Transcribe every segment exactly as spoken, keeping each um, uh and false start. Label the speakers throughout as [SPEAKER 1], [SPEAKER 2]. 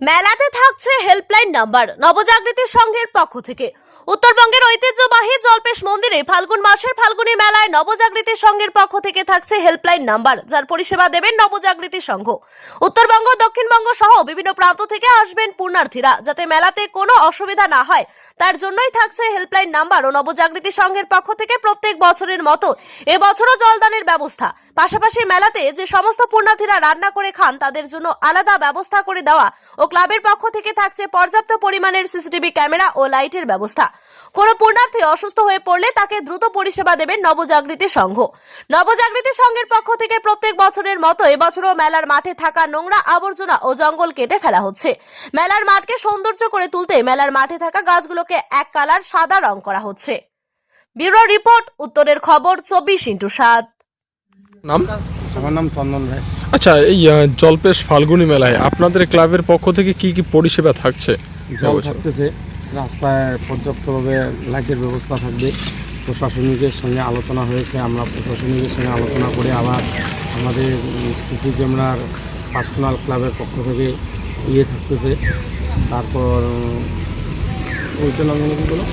[SPEAKER 1] মেলাতে থাকছে helpline number নবজাগৃতি সংঘের পক্ষ থেকে। উত্তরবঙ্গের ঐতিহ্যবাহী জল্পেশ মন্দিরে ফাল্গুন মাসের ফাল্গুনী মেলায় নবজাগৃতি সংঘের পক্ষ থেকে থাকছে হেল্পলাইন নাম্বার, যার পরিষেবা দেবেন নবজাগৃতি সংঘ। উত্তরবঙ্গ, দক্ষিণবঙ্গ সহ বিভিন্ন প্রান্ত থেকে আসবেন পুণ্যার্থীরা, যাতে মেলাতে কোনো অসুবিধা না হয় তার জন্যই থাকছে হেল্পলাইন নাম্বার ও নবজাগৃতি সংঘের পক্ষ থেকে প্রত্যেক বছরের মতো এবছরও জলদানের ব্যবস্থা। পাশাপাশি মেলাতে যে সমস্ত পুণ্যার্থীরা রান্না করে খান তাদের জন্য আলাদা ব্যবস্থা করে দেওয়া ও ক্লাবের পক্ষ থেকে থাকছে পর্যাপ্ত পরিমাণের সিসিটিভি ক্যামেরা ও লাইটের ব্যবস্থা। কোন পুণ্যার্থী অসুস্থ হয়ে পড়লে তাকে দ্রুত পরিষেবা দেবেন নবজাগৃতি সংঘ। নবজাগৃতি সংঘের পক্ষ থেকে প্রত্যেক বছরের মতো এবছরও মেলার মাঠে থাকা নোংরা আবর্জনা ও জঙ্গল কেটে ফেলা হচ্ছে। মেলার মাঠকে সৌন্দর্য করে তুলতে মেলার মাঠে থাকা গাছগুলোকে এক কালার সাদা রং করা হচ্ছে। ব্যুরো রিপোর্ট, উত্তরের খবর, চব্বিশ ইন্টু সাত।
[SPEAKER 2] নাম?
[SPEAKER 3] আমার নাম চন্দন রায়।
[SPEAKER 2] আচ্ছা, এই আহ, জল্পেশ ফাল্গুনী মেলায় আপনাদের ক্লাবের পক্ষ থেকে কি কি পরিষেবা থাকছে?
[SPEAKER 3] জল থাকতেছে, রাস্তায় পর্যাপ্তভাবে লাইটের ব্যবস্থা থাকবে। প্রশাসনিকের সঙ্গে আলোচনা হয়েছে, আমরা প্রশাসনিকের সঙ্গে আলোচনা করে আবার আমাদের সিসি ক্যামেরার পার্সোনাল ক্লাবের পক্ষ থেকে ইয়ে থাকতেছে। তারপর ওইটা নাম কি বলো,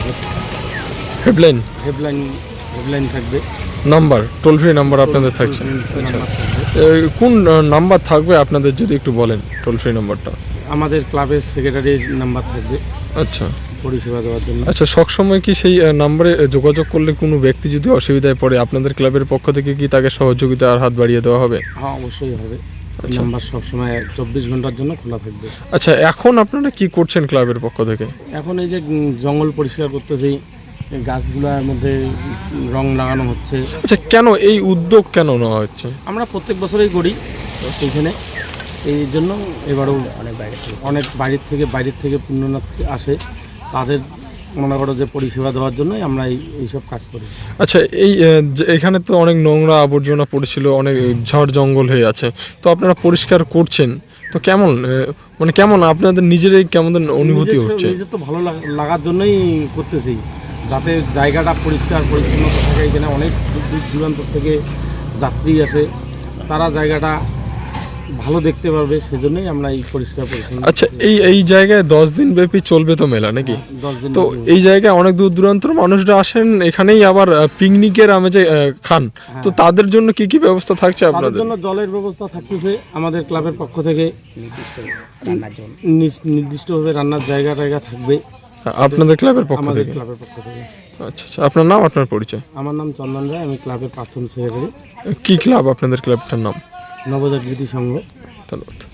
[SPEAKER 2] হেডলাইন
[SPEAKER 3] হেডলাইন হেডলাইন থাকবে,
[SPEAKER 2] নাম্বার, টোল ফ্রি নাম্বার আপনাদের থাকছে। আচ্ছা, এই কোন নাম্বার থাকবে আপনাদের যদি একটু বলেন টোল ফ্রি নাম্বারটা?
[SPEAKER 3] আমাদের ক্লাবের সেক্রেটারির নাম্বার থাকবে
[SPEAKER 2] আচ্ছা
[SPEAKER 3] পরিষেবা দেওয়ার জন্য।
[SPEAKER 2] আচ্ছা, সবসময় কি সেই আহ, নাম্বারে যোগাযোগ করলে কোনো ব্যক্তি যদি অসুবিধায় পড়ে আপনাদের ক্লাবের পক্ষ থেকে কি তাকে সহযোগিতা আর হাত বাড়িয়ে দেওয়া হবে?
[SPEAKER 3] হ্যাঁ, অবশ্যই হবে।
[SPEAKER 2] আচ্ছা।
[SPEAKER 3] নাম্বার সবসময় চব্বিশ ঘন্টার জন্য খোলা থাকবে।
[SPEAKER 2] আচ্ছা, এখন আপনারা কি করছেন ক্লাবের পক্ষ থেকে?
[SPEAKER 3] এখন এই যে উম, জঙ্গল পরিষ্কার করতেছি, এই গাছগুলোর মধ্যে রং লাগানো হচ্ছে।
[SPEAKER 2] আচ্ছা, কেন এই উদ্যোগ কেন নেওয়া হচ্ছে?
[SPEAKER 3] আমরা প্রত্যেক বছরই করি এইখানে, এই জন্য এবারও অনেক বাইরে থেকে অনেক বাইরের থেকে বাইরের থেকে পুণ্যার্থী আসে, তাদের মনে করো যে পরিষেবা দেওয়ার জন্যই আমরা এই এইসব কাজ করি।
[SPEAKER 2] আচ্ছা, এই আহ, যে এখানে তো অনেক নোংরা আবর্জনা পড়েছিল, অনেক ঝড় জঙ্গল হয়ে আছে, তো আপনারা পরিষ্কার করছেন, তো কেমন আহ, মানে কেমন আপনাদের নিজেরাই কেমন অনুভূতি
[SPEAKER 3] নিজস্ব-
[SPEAKER 2] হচ্ছে?
[SPEAKER 3] নিজের তো ভালো লাগ- লাগার জন্যই করতেছি, যাতে জায়গাটা পরিষ্কার পরিচ্ছন্ন থাকে। এখানে অনেক দূর দূর দূরান্ত থেকে যাত্রী আসে, তারা জায়গাটা ভালো দেখতে পারবে, সেজন্যই আমরা এই পরিষ্কার পরিচ্ছন্ন।
[SPEAKER 2] আচ্ছা, এই এই জায়গায় দশ দিন ব্যাপী চলবে তো মেলা নাকি?
[SPEAKER 3] দশ দিন
[SPEAKER 2] তো
[SPEAKER 3] ব্যাপী।
[SPEAKER 2] এই জায়গায় অনেক দূর দূরান্তর মানুষরা আসেন, এখানেই আবার পিকনিকের আমেজে আহ, খান, তো তাদের জন্য কি কি ব্যবস্থা থাকছে
[SPEAKER 3] তাদের
[SPEAKER 2] আপনাদের?
[SPEAKER 3] জন্য জলের ব্যবস্থা থাকতেছে আমাদের ক্লাবের পক্ষ থেকে, নির্দিষ্ট রান্নার জন্য নির্দিষ্টভাবে রান্নার জায়গা টায়গা থাকবে
[SPEAKER 2] আপনাদের ক্লাবের পক্ষ
[SPEAKER 3] আমাদের
[SPEAKER 2] থেকে?
[SPEAKER 3] ক্লাবের পক্ষ থেকে।
[SPEAKER 2] আচ্ছা আচ্ছা, আপনার নাম, আপনার পরিচয়?
[SPEAKER 3] আমার নাম চন্দন রায়, আমি ক্লাবের প্রাক্তন সেক্রেটারি,
[SPEAKER 2] কি ক্লাব আপনাদের ক্লাবটার নাম?
[SPEAKER 3] নবজাগৃতি সংঘ।
[SPEAKER 2] ধন্যবাদ।